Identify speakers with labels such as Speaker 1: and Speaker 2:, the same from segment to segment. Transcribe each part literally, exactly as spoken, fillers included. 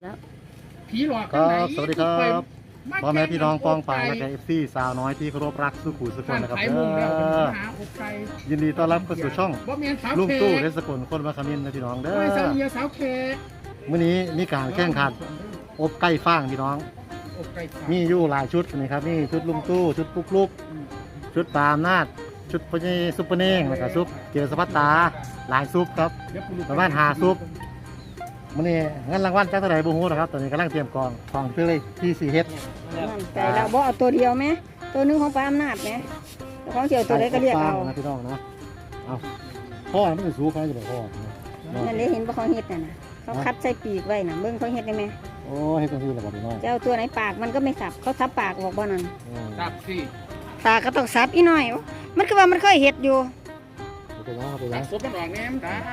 Speaker 1: แล้ว
Speaker 2: ผีหลอก
Speaker 3: ครับสวัสดีครับพ่อแม่พี่น้องป้องปายและเอฟซีสาวน้อยที่เคารพรักสุขุสุขคนนะครับ
Speaker 2: ไข่
Speaker 3: เด้
Speaker 2: มุงแล้ว
Speaker 3: อ
Speaker 2: หาอกไก่
Speaker 3: ยินดีต้อนรับเข้าสู่ช่อง
Speaker 2: บ่เมียนสาว
Speaker 3: ลุง
Speaker 2: เค
Speaker 3: ตู้เรสกุลคนมาคามินนะพี่น้องเด้
Speaker 2: ไม่สาว
Speaker 3: อ
Speaker 2: เมียสาวเค
Speaker 3: มื้อนี้มีการแข่งขันอบไก่ฟางพี่น้อง
Speaker 2: อกไก่ขา
Speaker 3: มีอยู่หลายชุดนี่ครับนี่ชุดลุงตู้ชุดปุ๊กลุกชุดปาล์มนาดชุดพญซุปเปอร์เน่งแล้วก็ซุปเกียร์สปัตตาหลายซุปครับ
Speaker 2: เดี๋ยวกูรู้
Speaker 3: ประมาณห้าซุปมื้อนี้งั้นรางวัลจักเท่าไหร่บ่ฮู้นะครับตอนนี้กำลังเตรียมกองของเพื่อเลยที่สี่เฮ็ด
Speaker 1: มั่นใจแล้วบ่เอาตัวเดียวไหมตัวหนึงของปลาอำนาจไหมแล้วของเจียวตัวใดก็เรียกเอา
Speaker 3: นะพี่น้องนะเอาพ่อมันเป็นสูงเขาจะบอกพ่อนะ
Speaker 1: นั่นเลยเห็นบ่เขาเฮ็ดน่ะนะเขาคัดใส่ปีกไว้น่ะเบิ่งเขาเฮ็ดได้ไหม
Speaker 3: โอ้ให้กันคือระบบพี่น้อง
Speaker 1: เจ้าตัวไหนปากมันก็ไม่สับเขาทับปากบอกบ่นั่น
Speaker 3: อืม
Speaker 2: ตับสิ
Speaker 1: ปากก็ต้องสับอีหน่อยมันคือว่ามันเคยเฮ็ดอยู่
Speaker 3: เอาไปยังเอาไป
Speaker 2: ตั
Speaker 3: ยั
Speaker 2: บ
Speaker 3: ง
Speaker 2: ซุปมันออกแหนมตา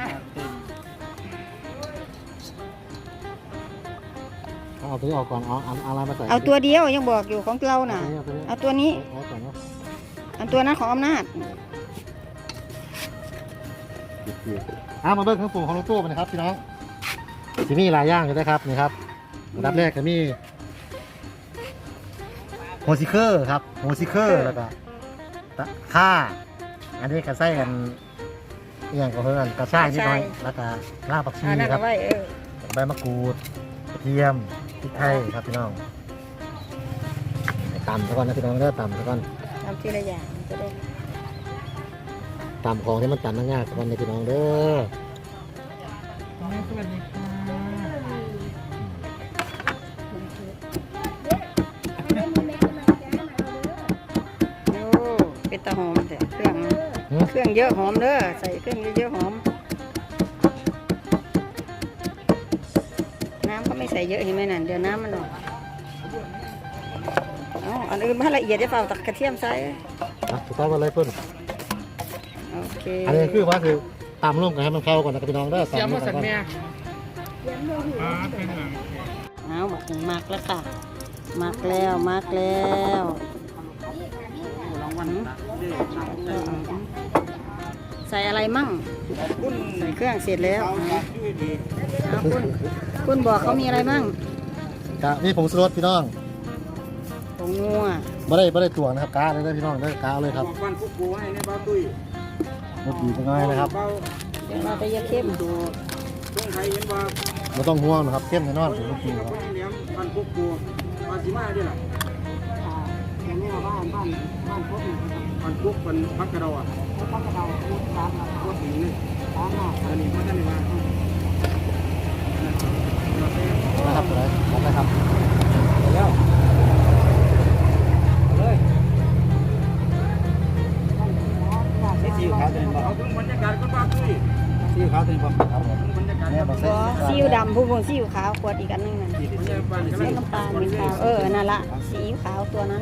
Speaker 3: เอาตัวนี้ออกก่อนเอาเอาเอาอะไรมาใส่
Speaker 1: เอาตัวเดียวยังบอกอยู่ของเราน่ะ
Speaker 3: เอาตัวนี้
Speaker 1: เอาตัวนี้
Speaker 3: เอาก่อนเนาะ
Speaker 1: อันตัวนั้นของอำนาจ
Speaker 3: เกี่ยวๆเอามาเบิ้งเครื่องปรุงของรถตู้ไปนะครับพี่น้องที่นี่หลายอย่างอยู่นะครับนี่ครับอันดับแรกก็มีโฮซิเคอร์ครับโฮซิเคอร์แล้วก็ตะข่าอันนี้ก็ใส่กันอหย่างก็เพื่อนกระชายนิดหน่อยแล้วก็รากผักชี
Speaker 1: อันนั้น
Speaker 3: ครั
Speaker 1: เอา
Speaker 3: บ
Speaker 1: ไว้เออ
Speaker 3: ใบมะกรูดกระเทียมพริกไทยครับพี่น้องตำซะก่อนนะพี่น้องเด้อตำซะก่อน
Speaker 1: ทำทีละอย่างจะได้
Speaker 3: ตำของที่มันตำง่ายๆซะก่อนนะพี่น้องเด้อ
Speaker 2: สวัสดีค่ะ
Speaker 1: โอ้เป็นตะหอมแต่เครื่องนะเครื่องเยอะหอมเด้อใส่เครื่องเยอะๆหอมน้ำก็ไม่ใส่เยอะเห็นไหมนั่นเดี๋ยวน้ำมันออกเอาอันอื่นมาละเอียดจะเปล่าตักกระเทียมใส่
Speaker 3: อ่ะถูกต้องกันเลยเพิ่น
Speaker 1: โอเค
Speaker 3: อันนี้คือว่าคือตำร่วมกันให้มันเข้าก่อนนะครับพี่น้องเด้อ
Speaker 2: เสียม
Speaker 3: ตำร่ว
Speaker 2: มาม
Speaker 3: กั
Speaker 2: สั
Speaker 3: น
Speaker 2: น
Speaker 3: ก่อน
Speaker 2: แม่อ่าเป็นหลัง
Speaker 1: เอาบักหนึ่งมักแล้วค่ะมักแล้วมักแล้ว
Speaker 2: รางวัล
Speaker 1: ใส่อะไรมั่งใส่เครื่องเสร็จแล้วเอาคุณคุณบอกเขามีอะไรมั่ง
Speaker 3: กะนี่ผงชูรสพี่น้อง
Speaker 1: ผงนัว
Speaker 3: ไม่ได้ไม่ได้ตวงนะครับกาเลยนะพี่น้องเด้อกาเลยครับ
Speaker 2: วันพวกกูให้ในบ้าตุ้ย
Speaker 3: รสดีจังเลยนะครับ
Speaker 1: เดี๋ยวเราไปเยอะเข้มดู
Speaker 2: ต้องใครเห็นว่า
Speaker 3: ไม่ต้องห่วงนะครับเข้มแน่นอนผมจริงๆครับ
Speaker 2: คนเลี้ยงวันพวกกูมาสิมาด้วยล่ะ
Speaker 1: อย่างนี้บ้านบ้านบ้านพบ
Speaker 2: วันพวกวันพักกระดาอ่ะ
Speaker 1: พักกระเดาพูดตามมา
Speaker 2: พวกนี้นี่
Speaker 1: ตามมา
Speaker 2: อันนี้เขาจะเรียกว่า
Speaker 3: นะครับอะไรนะครับ
Speaker 2: แล้วเลยนี่สีขาวตัวนี้บอกเอาถึงบรรยากาศก็บ้าตุ้ยสีขาวตัวนี้บอกครับผมบรรยากาศ
Speaker 3: เนี่ยมาใส่
Speaker 1: ซีอิ๊วดำผู้พวงซีอิ๊วขาวขวดอีกอันนึงนั่นใส่น้ำตาลขาวเออนั่นละซีอิ๊วขาวตัวนั้น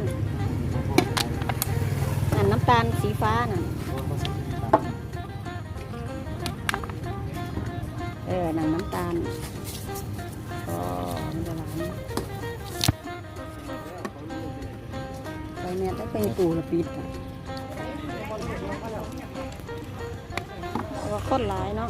Speaker 1: นั่นน้ำตาลสีฟ้านั่นเออนั่นน้ำตาลอ๋อมันจะหวานไปเนี่ยต้องเป็นปูละปิดอ่ะว่าคนหลายเนาะ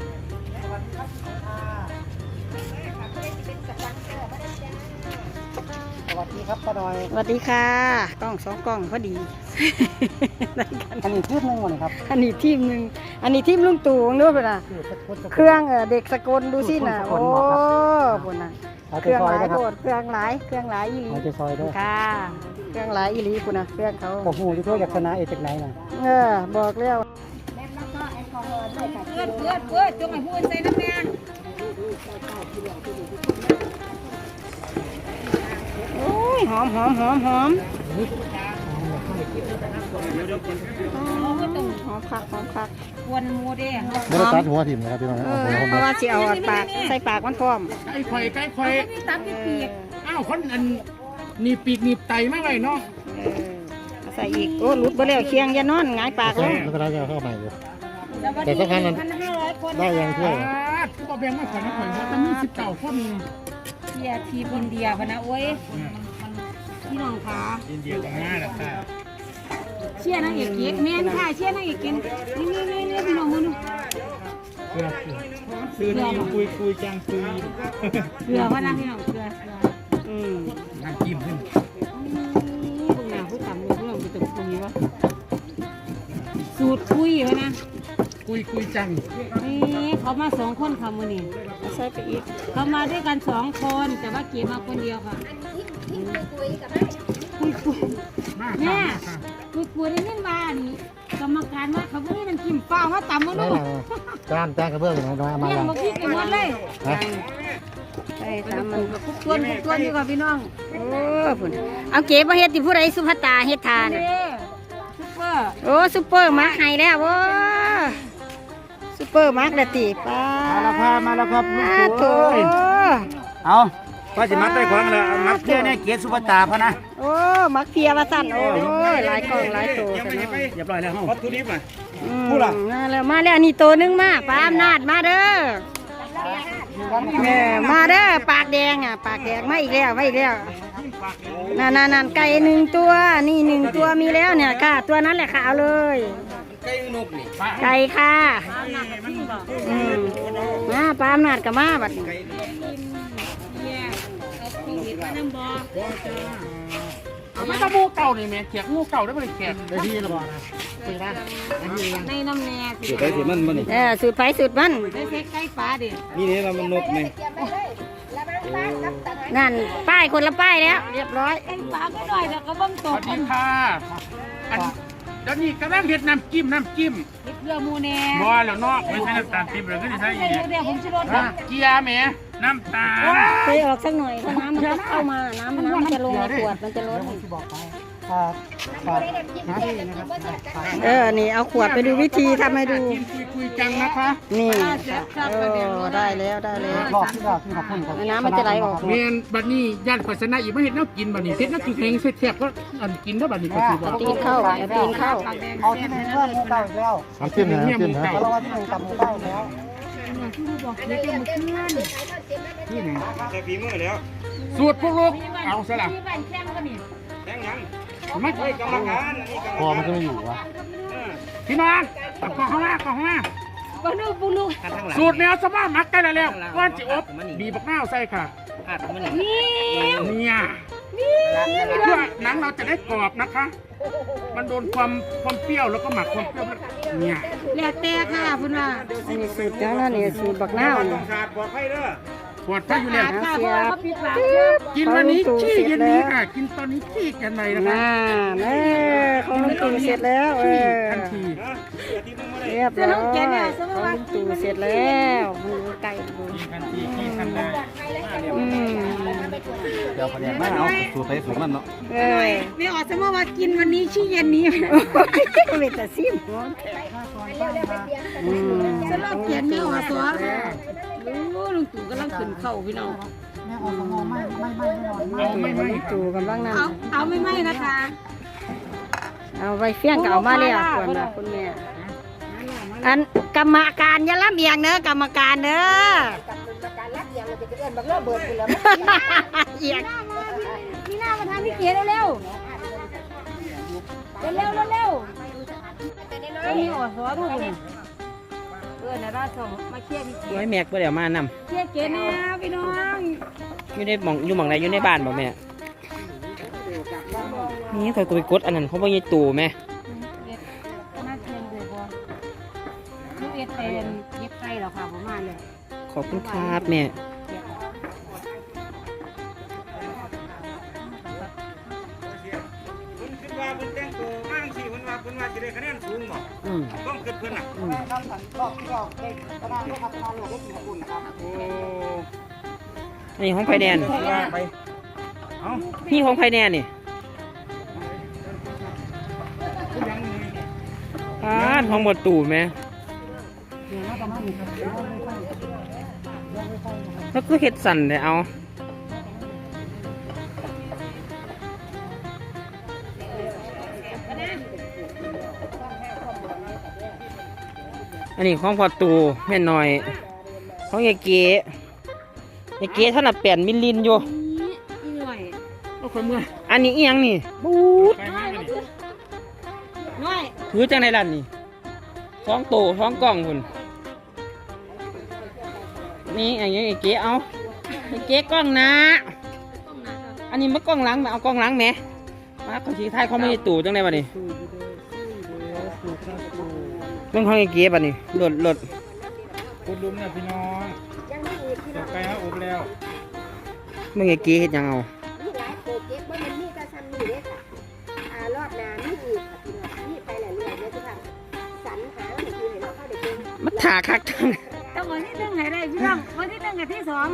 Speaker 3: สวัสดีครับป้าดอย
Speaker 1: สวัสดีค่ะกล้องสองกล้องพอดี
Speaker 3: อันนี้ชุดหนึงวันนี้ครับ
Speaker 1: อันนี้ทีมหนึ่งอันนี้ทีมลุงตู่ด้วยป่ะนะเครื่องเออเด็กสกลดูสิน่ะโอ้ปุ่นน่ะ
Speaker 3: เอา
Speaker 1: เค
Speaker 3: ใจ
Speaker 1: รื่อง
Speaker 3: ซ
Speaker 1: ห
Speaker 3: อย
Speaker 1: ลาย
Speaker 3: นะครั
Speaker 1: โค
Speaker 3: บ
Speaker 1: ตรเครื่องหลายเครื่องหลายอีหลี
Speaker 3: เอาใจซอยด้วย
Speaker 1: ค่ะเครื่องหลายอีหลีปุ่นน่ะเครื่องเขา
Speaker 3: ผมหูที่ทั่วจากคณะเอกจากไหนน่ะ
Speaker 1: เออบอกแล้ว
Speaker 4: เพื่อนเพื่อนเพื่อนจงให้พูดใส่น้ำแดง
Speaker 1: โอ้ยหอมหอมหอมหอมหอมคักหอมคัก
Speaker 4: ควนมูเด้
Speaker 3: ไม่ได้ตัดหัวถิ่มนะครับพี่น้อง
Speaker 1: เอ
Speaker 3: เอา
Speaker 1: อ
Speaker 3: หัว
Speaker 1: เพราะว่าสิเอาปากใส่ปากมันพร้อม
Speaker 2: ไก่ข่อยไก่ข่อย
Speaker 4: มีตับมีปีก
Speaker 2: อ้าวคนอันหนีปีกหนีไตมาไว้เนาะ
Speaker 1: เออเอาใส่อีกโอ้หลุดไปแล้วเคียงอยานอนหงายปากลง
Speaker 3: แล้วก็ได้จะเข้าใหม่อยู่
Speaker 4: แต่สำคัญพันห้าร้อยคน
Speaker 3: ได้ยังถ้วย
Speaker 2: ทุกบ่แบ่งมาข่อยมาข่อยจะมีสิบเก้าคน
Speaker 4: เชียร์ทีมอินเดียพะนะโอ้ยพี่น้องคะ
Speaker 2: อินเดียกับง่ายแหละค่ะ
Speaker 4: เชียร์นางเอกเก๊กแม่นค่ะเชียร์นางเอกเก๊กนี่นี่นี่นี่พี่น้องคนนึง
Speaker 2: เพื่อซื้อนี่คุยคุยจังคุย
Speaker 4: เกลือพะนะพี่น้องเกลือ
Speaker 2: ยคุยจัง
Speaker 4: นี่เขามาสองคนค่ะมือนี่
Speaker 1: เอาใส่ไปอีก
Speaker 4: เขามาด้วยกันสองคนแต่ว่าเก๋มาคนเดียวค่ะคุยคุย
Speaker 2: มาก
Speaker 4: แม่คุยคุยได้ยินว่านี่กรรมการว่าเขาไม่ได้มันกินเปล่าว่าต่ำมา
Speaker 3: ได้
Speaker 4: ลูก
Speaker 3: แล้วจานจานกระเบื้องอยู่ไหนน้อยเอามา
Speaker 4: เลี้ยง
Speaker 3: แล้ว
Speaker 4: มาพี่กันหมดเลย
Speaker 3: ฮะ
Speaker 1: ใส่
Speaker 4: ตา
Speaker 1: ตาม ม
Speaker 4: มั
Speaker 1: มัน น
Speaker 4: กับคุกตวนคุกตวนอยู่กับพี่น้อง
Speaker 1: โอ้พุ่นเอาเก๋บ่เฮ็ดที่ผู้ใดสุภาตาเฮ็ดทาน
Speaker 4: เด้ซุปเปอร์
Speaker 1: โอ้ซุปเปอร์มาร์คให้แล้วโอ้ซุปเปอร์มาร์คละติป้า
Speaker 2: มาแล้วครับมาแล้วครับลูก
Speaker 1: โถ
Speaker 2: โอ้ยเอาก็สิมัดได้ของแล้วมัดเที่ยเนี่ยเกียรติสุภตาพะนะ
Speaker 1: โอ้มักเพียว่าสั่นโอ้ยหลายกล่องหลายตัวกันเนาะ
Speaker 2: เรียบร้อยแล้ววัตถุดิบอ่ะ
Speaker 1: อืม
Speaker 2: พูดล่ะ
Speaker 1: มาแล้วมาแล้วนี่ตัวหนึงมาป้าอำนาจมาเด้อเออมาเด้อปากแดงอ่ะปากแดงมาอีกแล้วมาอีกแล้วนั่นนั่นนั่นไก่หนึ่งตัวนี่หนึ่งตัวมีแล้วเนี่ยค่ะ ตัวนั้นแหละค่ะเอาเลย
Speaker 2: ไก่นกนี่
Speaker 1: ไก่ค่ะอืมมาปลาอำนาจกับมาบัดนี้
Speaker 2: ไม่ต้องงูเก่านี่แม่เขียกงูเก่าได้บ่ได้เขียก
Speaker 3: ได้ที่ระบอกนะคุยนะได้ที่ยัง
Speaker 4: ในน้ำแน่
Speaker 2: เดี๋ยวไปสิมันบ่นี่
Speaker 1: เออสูตรไผสูตรมัน
Speaker 4: ได้เซ็กไก่ปลาดิ
Speaker 2: นี่นี่เรามันนกนี่
Speaker 1: นั่นป้ายคนละป้ายแล้ว เรียบร้อย
Speaker 4: ไก่ปลาก็หน่อยแล้วก็บ้งต
Speaker 2: ส
Speaker 4: ก
Speaker 2: วัสดีค่ะอันเดี๋ยวนี้กำลังเฮ็ดน้ำจิ้มน้ำจิ้ม
Speaker 4: เฮ็ดเรือมูแน่
Speaker 2: บ่แล้วเนาะไม่ใช่น้ำตาลทิพย์เลยก็สิใส่อีก
Speaker 4: เดี๋ยวผมจะรด
Speaker 2: น้ำเกียร์แหมน้ำตาล
Speaker 1: เคยออกสักหน่อยเพราะน้ำมันจะเข้ามา น้ำน้ำมันจะลงในขวดมันจะลด
Speaker 3: ที่บอกไปครับครับนะ
Speaker 1: เออ นี่เอาขวดไปดูวิธีทำให้ดู
Speaker 2: กินคุยคุยจังนะคะ
Speaker 1: นี่เออได้แล้วได้แล้ว
Speaker 3: บอกที่บอกที่ขอบคุณครับ
Speaker 1: น้ำมันจะไหลออก
Speaker 2: เมนบัดนี้ย่านปัสนะอีกไม่เห็นน้ำกินบัดนี้เฮ็ดน้ำกินแข็งเสียบก็อันกินได้บัดนี้ก็สิบ่
Speaker 1: ตีนเข้าเอาตีนเข้า
Speaker 3: เอาที่หนึ่งเพื่อนมูเก่าอีกแล้วน้ำจิ้มนะน้ำจิ้มนะเพราะว่าที่หนึ่งกับมูเก่าอีกแล้ว
Speaker 2: นี่ไงใส่ฝีมือแล้วสูตรพวกลูกเอาซะล่ะ
Speaker 4: ที่บ้านแข้งก็นี่
Speaker 2: แข็งยังไม่ใช่กรรมการอันนี้กรรม
Speaker 3: พอมันก็ไม่อยู่วะ
Speaker 2: พี่น้องเอาข้างหน้าข้างหน้า
Speaker 4: บ้านนู้นปูลูก
Speaker 2: สูตรแนวสมามักได้แล้วก้อนจิอบบีบักนาวใส่ค่ะ
Speaker 4: นี่
Speaker 2: เนี่ยเพื่อหนังเราจะได้กรอบนะคะ มันโดนความความเปรี้ยวแล้วก็หมักความเปรี้ยวเนี่ย
Speaker 4: แล้วแต่ค่ะคุณว่า
Speaker 1: อันนี้สูตรจังนั่นนี่สูตรบักนาวนี่
Speaker 2: ขาดปลอดภัยเด้อปลอดภัยอยู่แล้ว
Speaker 4: ค่ะเพราะว่าเขาปิดปาก
Speaker 2: กินวันนี้ขี้เย็นนี้ค่ะ กินตอนนี้ขี้กันไหนนะคะ
Speaker 1: น่าแม่ของลุงตู่เสร็จแล้วเออ
Speaker 2: ทันที
Speaker 1: เรียบร้อยของลุงตู่เสร็จแล้วมันไก่ดู
Speaker 2: ทันทีขี้ทันได้
Speaker 1: อืม
Speaker 3: เดี๋ยวประเดี๋ยวไม่เอาสูตรไปสูตรมันเนาะ
Speaker 1: เออ
Speaker 4: ไม่ออกจะมาว่ากินวันนี้ชี้เย็นนี้
Speaker 1: เวทซิมอืม
Speaker 4: จะลอกเขียนไม่ออกตัวรู้ลุงตู่กำลังขึ้นเข่าพี่น้อง
Speaker 2: เอาไม่ไม่
Speaker 1: ลุงตู่กำลังนั่น
Speaker 4: เอาเอาไม่ไหมนะคะ
Speaker 1: เอาไว้เฟี้ยงก็เอามาแล้วส่วนนะคุณแม่อันกรรมการอย่าล้ำเอียงเนอะกรรมการเนอะเอียง
Speaker 4: นี่หน้ามาทางพี่เก๋เร็วเร็วเร็วเร็วเร็วก็มีออกหัวทุกคนเออนะราชงมาเคลียร์พี่เก๋
Speaker 5: ไว้แม็กบ่เดี๋ยวมานำ
Speaker 4: เคลียร์เก๋นะพี่น้อง
Speaker 5: อยู่ในหม่องอยู่หม่องไหนอยู่ในบ้านบ่แม่นี่ข่อยก็ไปกดอันนั้นเขาบ่ยายตู่แม่
Speaker 4: มาเชิญดูบอลลูกเอ็ดเป็นเย็บไก่หรอค่ะผมมาเลย
Speaker 5: ขอบคุณครับแม่
Speaker 2: คุณคิดว่าคุณแต่งตัวมากสิคุณว่าคุณว่าจะได้คะแนนสูงบ่
Speaker 5: อืม
Speaker 2: ต้องเกิดเพิ่นอ่ะ
Speaker 3: ทำสันรอบที่รอบเด็กกระดานก็ทำทานหลวงพ่อคุณนะครับ
Speaker 2: โอ้
Speaker 5: อันนี้ของไผแดน
Speaker 2: ว่าไปเอ้า
Speaker 5: นี่ของไผแดนนี่
Speaker 2: คุณยังนี่
Speaker 5: ป้าดของบ่ตู่แม่แล้วก็เฮ็ดสั่นได้เอาอันนี้ของพอตู่แม่น้อยของยายเก๋ยายเก๋เท่านั้นแปดมิลลินอยู่
Speaker 4: เหนื่อย
Speaker 2: เอาคนเมื่อย
Speaker 5: อันนี้อีหยังนี่บูด
Speaker 2: ไปมากเลย
Speaker 4: เหนื่อย
Speaker 5: ถือจังในร้านนี่ท้องโตท้องกล่องคุณนี่อันนี้ไอ้เก๋เอาไอ้เก๋กล้องหนะ อันนี้มันกล้องหลังมาเอากล้องหลังแหมมาขอชี้ท้ายเขาไม่ได้ตู่จังในวันนี้เรื่องของไอ้เก๋ป่ะนี่หลดหลด
Speaker 2: ขุดหลุมเนี่ยพี่น้องต่อไปฮะอบแล้ว
Speaker 5: เมื่อไอ้เก๋เฮ็ดหยังเอา
Speaker 4: มีหลายโปรเจกต์ว่ามันมีแต่ซ้ำนี่เด้ค่ะอ่ารอบหน้ามีอีกค่ะพี่น้องมีไปหลายเรื่องเลยทุกท่านสรรหาให้คือให้เราเข้าได้เก่ง
Speaker 5: มันถาคักจัง
Speaker 4: ต้องวันที่หนึ่งให้ได้พี่น้องวันที่หนึ่งกับที่สอง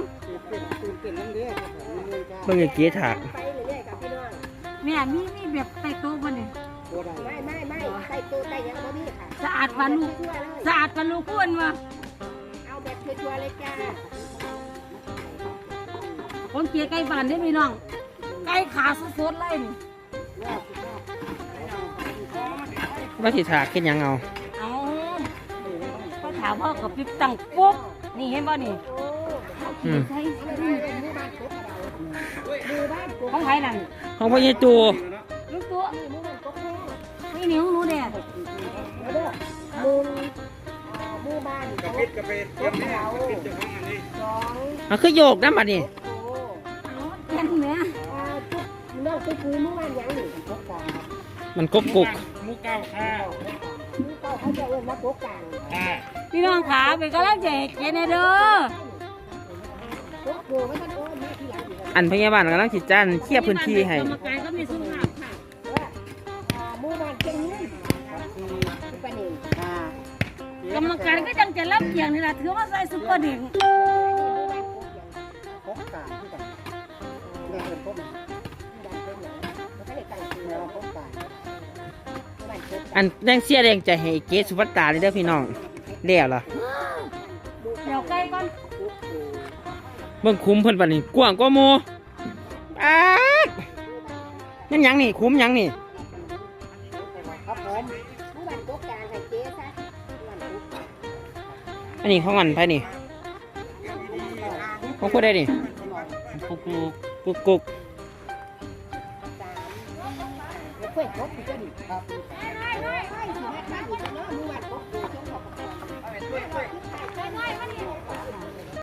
Speaker 5: เมื่อไอ้เก๋ถาก
Speaker 4: ไปเรื่อยๆกับพี่น้อง
Speaker 6: แม่มีมีแบบใส่โต๊ะบ่นี่
Speaker 4: ไม่ไม่ไม่ใส่ตัวใส่ยังบ่มีค่ะ
Speaker 6: สะอาดปานลูก
Speaker 4: ทั่วๆเลย
Speaker 6: สะอาดปานลูกอ้วนวะ
Speaker 4: เอาแบบชัวร์ๆเลยจ้า
Speaker 6: คนเกลียไก่บ้านได้อพี่น้องไก่ขาสดๆเลยนี่
Speaker 5: ว่าสิถากเฮ็ดหยังเอา
Speaker 6: เอาก็ถามพ่อกับปิ๊บตังปุ๊บนี่เห็นบ่นี่
Speaker 5: อืม
Speaker 6: ใช่ของไผนั่น
Speaker 5: ของพ่อใหญ่ตู
Speaker 6: ลูกตัวนี่นิ้วหนูเนี่ย
Speaker 4: มูลมูบ้าน
Speaker 2: กระปิดกระปิดเตรียมเนี่ยกระปิดเจ้าของอันนี้
Speaker 4: สอง
Speaker 5: มันคือโยกนะบัดนี้
Speaker 6: แค่นี้แหม่
Speaker 4: ทุกน้องทุกมือมูบ้านยังหนึ่งพกกลาง
Speaker 5: มันกบกุก
Speaker 2: หมูเก้าข้าว
Speaker 4: มูเก้าเขาจะเอิ้นว่าพกกลาง
Speaker 2: ค่ะ
Speaker 6: พี่น้องขาเป็นกำลังใจให้เกลียแน่เด้อ
Speaker 4: พกโบไม่ต้องโอนมาทีหลังอีก
Speaker 5: อันพยาบาลกำลังสิจ้านเคลียร์พื้นที่ให้
Speaker 6: กรรมการก็มีสุขภาพค่ะ
Speaker 4: ว่ามูบ้านเก่งนี่ปานนี้
Speaker 6: กรรมการก็จังจะรับเกียงนี่ล่ะถือว่าใส่ซุปเปอร์เด็ก
Speaker 3: พกกาที่กันแม่เป็นพกมันพกกา
Speaker 5: อันแดงเสียแดงใจให้เก๋สุภัตตาเลยเด้อพี่น้องแล้วล่ะ
Speaker 6: เดี๋ยวไก่ก่อน
Speaker 5: เบิ่งคุ้มเพิ่นบัดนี้กว้างกว่าหมู่ปาดนั่นหยังนี่คุ้มหยังนี่
Speaker 3: ครับผม
Speaker 4: มูบ้านพกกลางให้เจ๊ซะมูบ้านพกกลาง
Speaker 5: อันนี้ของอันไผนี่ของผู้ใดนี่กุกกุกกุกกุก
Speaker 4: แล้วเพื่อนพกที่จะดีครับไม่ไม่ไม่สิแม่ข้าอยู่เนาะมูบ้านพกโบช่วงพกกลาง